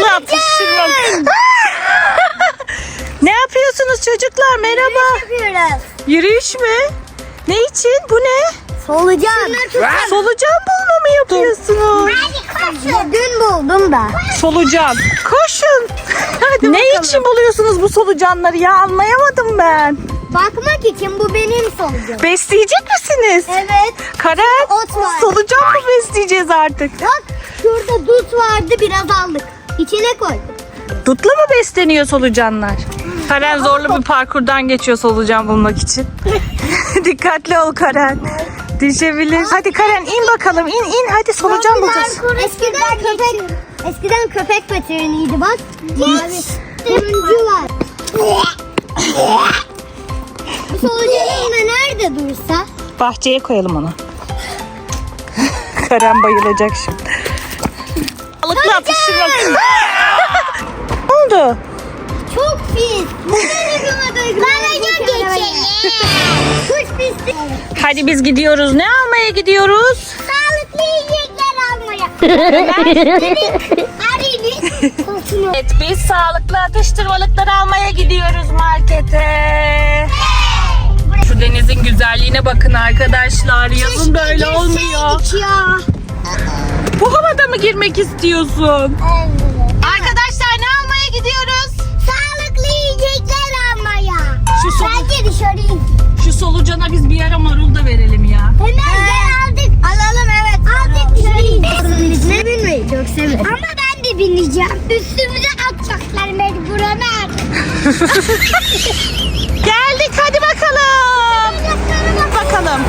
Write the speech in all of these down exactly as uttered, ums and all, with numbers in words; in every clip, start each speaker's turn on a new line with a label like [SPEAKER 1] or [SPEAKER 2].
[SPEAKER 1] atıştırmalık. Ne yapıyorsunuz çocuklar? Merhaba.
[SPEAKER 2] Yapıyoruz.
[SPEAKER 1] Yürüyüş mü? Ne için? Bu ne?
[SPEAKER 2] Solucan.
[SPEAKER 1] Solucan bulma mı yapıyorsunuz?
[SPEAKER 2] Dün buldum da.
[SPEAKER 1] Solucan. Koşun.
[SPEAKER 2] Hadi
[SPEAKER 1] Ne
[SPEAKER 2] bakalım.
[SPEAKER 1] için buluyorsunuz bu solucanları ya? Anlayamadım ben.
[SPEAKER 2] Bakmak için bu benim solucanım.
[SPEAKER 1] Besleyecek misiniz?
[SPEAKER 2] Evet.
[SPEAKER 1] Karen,
[SPEAKER 2] Ot var.
[SPEAKER 1] solucan mı besleyeceğiz artık?
[SPEAKER 2] Bak şurada dut vardı, biraz aldık. İçine koyduk.
[SPEAKER 1] Dutla mı besleniyor solucanlar? Karen zorlu bir parkurdan geçiyor solucan bulmak için. Dikkatli ol Karen. Düşebilir. Hadi Karen in bakalım. İn in hadi solucan bulacağız.
[SPEAKER 2] Eskiden köpek eskiden köpek veteriniydi bak. Mavi. Turuncu var. Bu solucanın da nerede dursa?
[SPEAKER 1] Bahçeye koyalım onu. Karen bayılacak şimdi. Balıkla atıştırmak. Ne oldu?
[SPEAKER 2] Çok pis. Bana geçelim. Kuş pisti.
[SPEAKER 1] Hadi biz gidiyoruz. Ne almaya gidiyoruz?
[SPEAKER 2] Sağlıklı yiyecekler almaya. Arayın.
[SPEAKER 1] Evet, biz sağlıklı atıştırmalıkları almaya gidiyoruz markete. Şu denizin güzelliğine bakın arkadaşlar. Yazın böyle olmuyor.
[SPEAKER 2] Ya.
[SPEAKER 1] Bu havada mı girmek istiyorsun?
[SPEAKER 2] Evet.
[SPEAKER 1] Arkadaşlar ne almaya gidiyoruz?
[SPEAKER 2] Sağlıklı yiyecekler almaya.
[SPEAKER 1] Şu solu-
[SPEAKER 2] Bence dışarı in.
[SPEAKER 1] Şu solucana biz bir ara marul da verelim ya.
[SPEAKER 2] Hemen gel aldık. Alalım evet. Aldık dışarı in. Ne binmeyi çok severim. Ama ben de bineceğim. Üstümüze atacaklar mecburen.
[SPEAKER 1] Geldik hadi bakalım. Bakalım.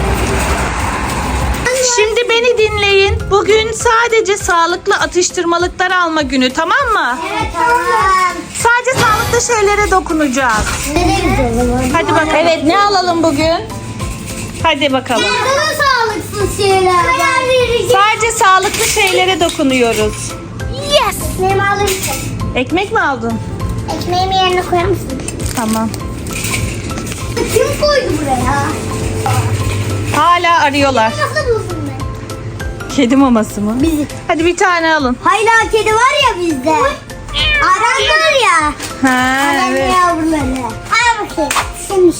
[SPEAKER 1] Şimdi beni dinleyin. Bugün sadece sağlıklı atıştırmalıklar alma günü, tamam mı?
[SPEAKER 2] Evet tamam.
[SPEAKER 1] Sadece sağlıklı şeylere dokunacağız.
[SPEAKER 2] Nereye o zaman?
[SPEAKER 1] Hadi bakalım. Evet, ne alalım bugün? Hadi bakalım.
[SPEAKER 2] Daha sağlıksız şeyler. Karar vereceğim.
[SPEAKER 1] Sadece sağlıklı şeylere dokunuyoruz.
[SPEAKER 2] Yes. Ekmeğimi alır mısın?
[SPEAKER 1] Ekmek mi aldın?
[SPEAKER 2] Ekmeğimi yerine koyar mısın?
[SPEAKER 1] Tamam.
[SPEAKER 2] Kim koydu buraya?
[SPEAKER 1] Hala arıyorlar.
[SPEAKER 2] Nasıl buldun ben?
[SPEAKER 1] Kedi maması mı?
[SPEAKER 2] Bizi.
[SPEAKER 1] Hadi bir tane alın.
[SPEAKER 2] Hala kedi var ya bizde. Aran var ya.
[SPEAKER 1] Ha,
[SPEAKER 2] Aran
[SPEAKER 1] evet.
[SPEAKER 2] yavruları. Al bakayım. Şimdi.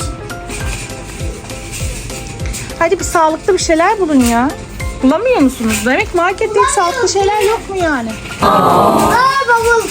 [SPEAKER 1] Hadi bir sağlıklı bir şeyler bulun ya. Bulamıyor musunuz? Demek markette hiç sağlıklı şeyler yok mu yani?
[SPEAKER 2] Aa bavul.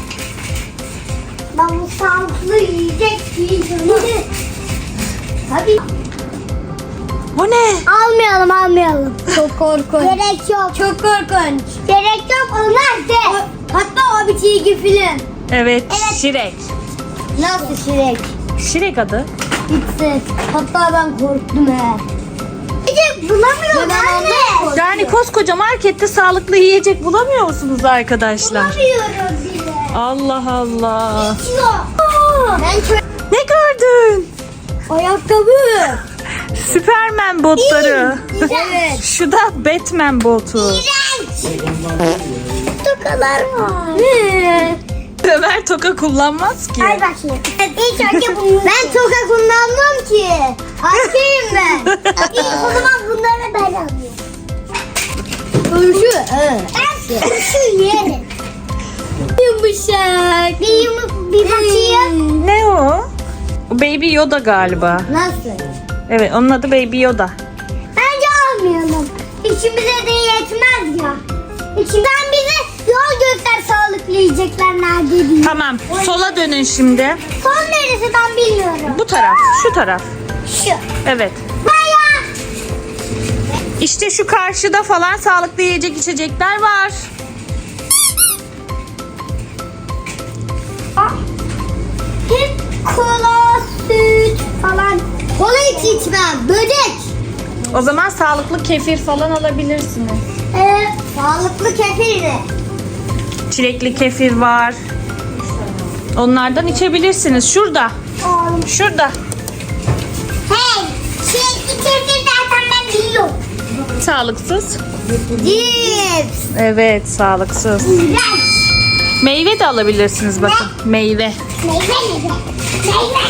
[SPEAKER 2] Bavul sağlıklı yiyecek yiyeceğim. Tabii.
[SPEAKER 1] Bu ne?
[SPEAKER 2] Almayalım almayalım. Çok korkunç. Gerek yok. Çok korkunç. Gerek yok onlar de. Hatta o bir çizgi film.
[SPEAKER 1] Evet, Şirek.
[SPEAKER 2] Nasıl şirek?
[SPEAKER 1] Şirek adı.
[SPEAKER 2] Gitti. Hatta ben korktum he. Yiyecek bulamıyorum anne.
[SPEAKER 1] Yani koskoca markette sağlıklı yiyecek bulamıyor musunuz arkadaşlar?
[SPEAKER 2] Bulamıyorum bile.
[SPEAKER 1] Allah Allah.
[SPEAKER 2] Hiç yok. Ben çok...
[SPEAKER 1] Ne gördün?
[SPEAKER 2] Ayakkabı.
[SPEAKER 1] Süpermen botları.
[SPEAKER 2] Evet.
[SPEAKER 1] Şu da Batman botu.
[SPEAKER 2] İğrenç. Tokalar var. Ne?
[SPEAKER 1] Ömer toka kullanmaz ki.
[SPEAKER 2] Ay bakayım. İlk önce bunu... Ben toka kullanmam ki. Erkeğim ben. İlk o zaman bunları ben alıyorum. Turşu. Evet. Ben turşu yerim. Yumuşak. Bir, yum bir bakayım.
[SPEAKER 1] Ne o? O Baby Yoda galiba.
[SPEAKER 2] Nasıl?
[SPEAKER 1] Evet, onun adı Baby Yoda.
[SPEAKER 2] Bence almayalım. İçimize de yetmez ya. İçinden bize yol göster sağlıklı yiyecekler nerede diye.
[SPEAKER 1] Tamam, sola dönün şimdi.
[SPEAKER 2] Son neresi ben bilmiyorum.
[SPEAKER 1] Bu taraf, şu taraf.
[SPEAKER 2] Şu.
[SPEAKER 1] Evet.
[SPEAKER 2] Baya.
[SPEAKER 1] İşte şu karşıda falan sağlıklı yiyecek içecekler var.
[SPEAKER 2] Hep kola, süt falan. Kola hiç içmem. Böcek.
[SPEAKER 1] O zaman sağlıklı kefir falan alabilirsiniz.
[SPEAKER 2] Ee, sağlıklı kefir de.
[SPEAKER 1] Çilekli kefir var. Onlardan içebilirsiniz. Şurada.
[SPEAKER 2] Oğlum.
[SPEAKER 1] Şurada.
[SPEAKER 2] Hey. Şey kefir zaten ben biliyorum.
[SPEAKER 1] Sağlıksız.
[SPEAKER 2] Cips.
[SPEAKER 1] Evet, sağlıksız.
[SPEAKER 2] İğrenç.
[SPEAKER 1] Meyve de alabilirsiniz bakın. Meyve.
[SPEAKER 2] Meyve meyve. Meyve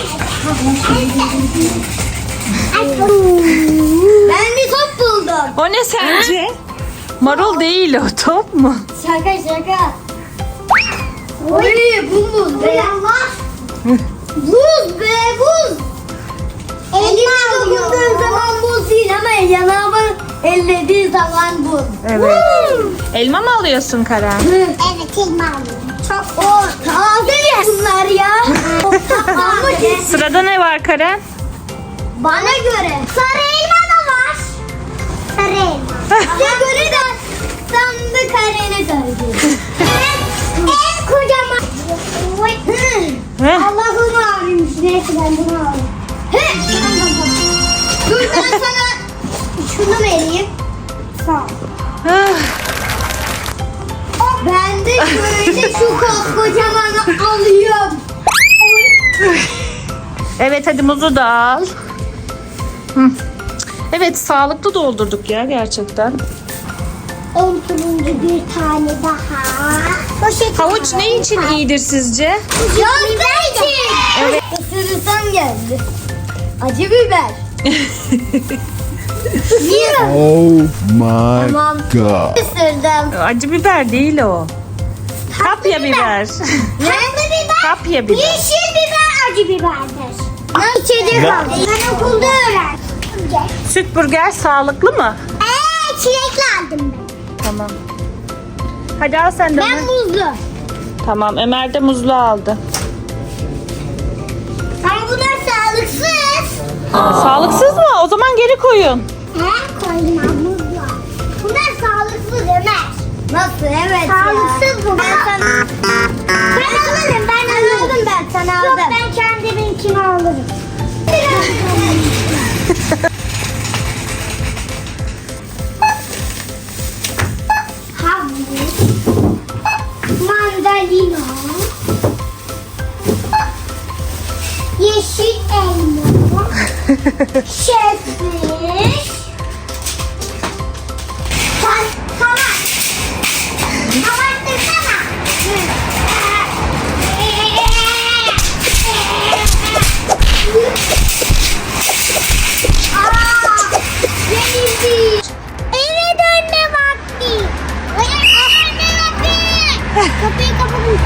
[SPEAKER 2] Ben bir top buldum.
[SPEAKER 1] O ne sence? Marul değil o, top mu?
[SPEAKER 2] Şaka şaka. Oy bu buz be. Buz be buz. Elime dokunduğu zaman buz değil ama yanağımı ellediği zaman buz.
[SPEAKER 1] Evet. Elma mı alıyorsun Karen?
[SPEAKER 2] Evet elma alıyorum. Çok o taze ya bunlar ya. Ama
[SPEAKER 1] Sırada ne var Karen?
[SPEAKER 2] bana göre sarı elma da var. Sarı elma. Size göre de sandı karene göre. En kocaman. Oy.
[SPEAKER 1] Heh.
[SPEAKER 2] Allah'ım abimmiş. Neyse ben bunu alayım. He. Dur ben sana şunu vereyim. Sağ ol.
[SPEAKER 1] Ah,
[SPEAKER 2] Ben de şöyle şu koskocamanı alıyorum. Oy.
[SPEAKER 1] Evet hadi muzu da al. Hı. Evet sağlıklı doldurduk ya gerçekten.
[SPEAKER 2] En turuncu bir tane daha. Poşet
[SPEAKER 1] Havuç ne için iyidir sizce?
[SPEAKER 2] Gözler için.
[SPEAKER 1] Evet.
[SPEAKER 2] Isırırsam geldi. Acı biber. Yiyorum.
[SPEAKER 3] Oh my
[SPEAKER 2] Tamam.
[SPEAKER 3] god.
[SPEAKER 2] Isırdım.
[SPEAKER 1] Acı biber değil o. Kapya biber.
[SPEAKER 2] Tatlı biber.
[SPEAKER 1] Kapya biber.
[SPEAKER 2] Yeşil biber acı biberdir. İçecek aldım. Ben okulda öğrendim.
[SPEAKER 1] Süt burger sağlıklı mı?
[SPEAKER 2] Eee çilekli aldım ben.
[SPEAKER 1] Tamam. Hadi al sen de
[SPEAKER 2] Ben
[SPEAKER 1] onu.
[SPEAKER 2] muzlu.
[SPEAKER 1] Tamam Ömer de muzlu aldı.
[SPEAKER 2] Ama bunlar sağlıksız.
[SPEAKER 1] Sağlıksız mı? O zaman geri koyun.
[SPEAKER 2] He koydum ben muzlu. Bunlar sağlıksız Ömer. Nasıl evet sağlıksız bu. Ben sana... Ben alırım ben alırım ben sana aldım. Yok ben kendiminkini alırım. Havuç, mandalina, yeşil elma, şefmiş, ta tamam. Kapatırsana. Aa, yenildi. Eve dönme vakti. Eve dönme vakti. Kapıyı kapatın.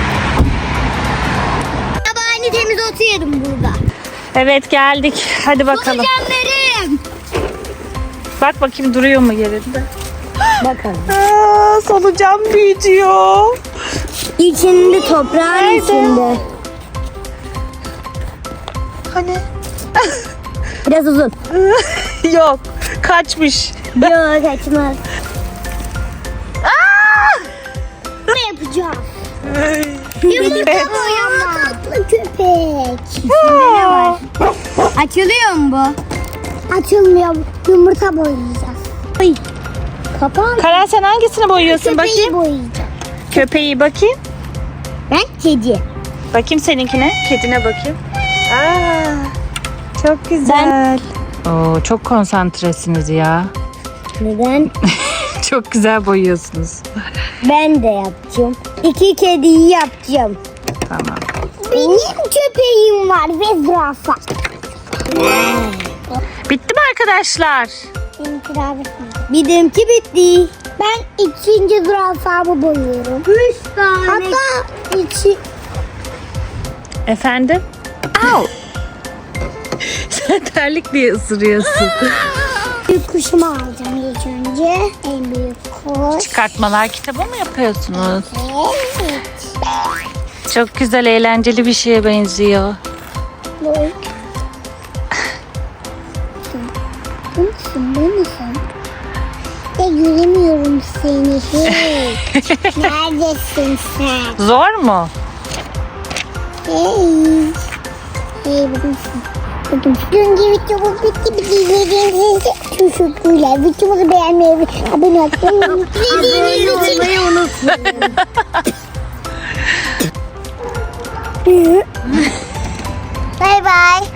[SPEAKER 2] Sabahını temiz otu yedim burada.
[SPEAKER 1] Evet geldik. Hadi bakalım.
[SPEAKER 2] Solucanlarım.
[SPEAKER 1] Bak bakayım duruyor mu yerinde?
[SPEAKER 2] Bakalım.
[SPEAKER 1] Aa, solucan büyütüyor.
[SPEAKER 2] İçinde toprağın
[SPEAKER 1] Nerede?
[SPEAKER 2] içinde.
[SPEAKER 1] Hani?
[SPEAKER 2] Biraz uzun.
[SPEAKER 1] Yok. Kaçmış.
[SPEAKER 2] Yok kaçmaz. Ne yapacağız? Yumurta boyama. Tatlı köpek. Ne var? Açılıyor mu bu? Açılmıyor. Yumurta boyayacağız. Ay. Kapan.
[SPEAKER 1] Karen sen hangisini boyuyorsun
[SPEAKER 2] Köpeği
[SPEAKER 1] bakayım?
[SPEAKER 2] boyayacağım.
[SPEAKER 1] Köpeği bakayım.
[SPEAKER 2] Ben kedi.
[SPEAKER 1] Bakayım seninkine. Kedine bakayım. Aa, çok güzel. Oo, çok konsantresiniz ya.
[SPEAKER 2] Neden?
[SPEAKER 1] Çok güzel boyuyorsunuz.
[SPEAKER 2] Ben de yapacağım. İki kediyi yapacağım.
[SPEAKER 1] Tamam.
[SPEAKER 2] Benim köpeğim var ve zürafa.
[SPEAKER 1] Bitti mi arkadaşlar?
[SPEAKER 2] Benimki bitti. Ben ikinci zürafamı boyuyorum. Üç tane. Hatta içi...
[SPEAKER 1] Efendim? Au. Sen terlik diye ısırıyorsun.
[SPEAKER 2] Büyük kuşumu alacağım ilk önce. En büyük kuş.
[SPEAKER 1] Çıkartmalar kitabı mı yapıyorsunuz?
[SPEAKER 2] Evet.
[SPEAKER 1] Çok güzel, eğlenceli bir şeye benziyor.
[SPEAKER 2] Bu. Bu musun? Bu musun? Ya göremiyorum seni. Hey. Neredesin sen?
[SPEAKER 1] Zor mu?
[SPEAKER 2] Hey. Hey buradasın. Buldum. Dünkü videomuz bitti. Bir izlediğiniz için teşekkürler. Videomuzu beğenmeyi ve abone olmayı Abone olmayı unutmayın. Bye bye.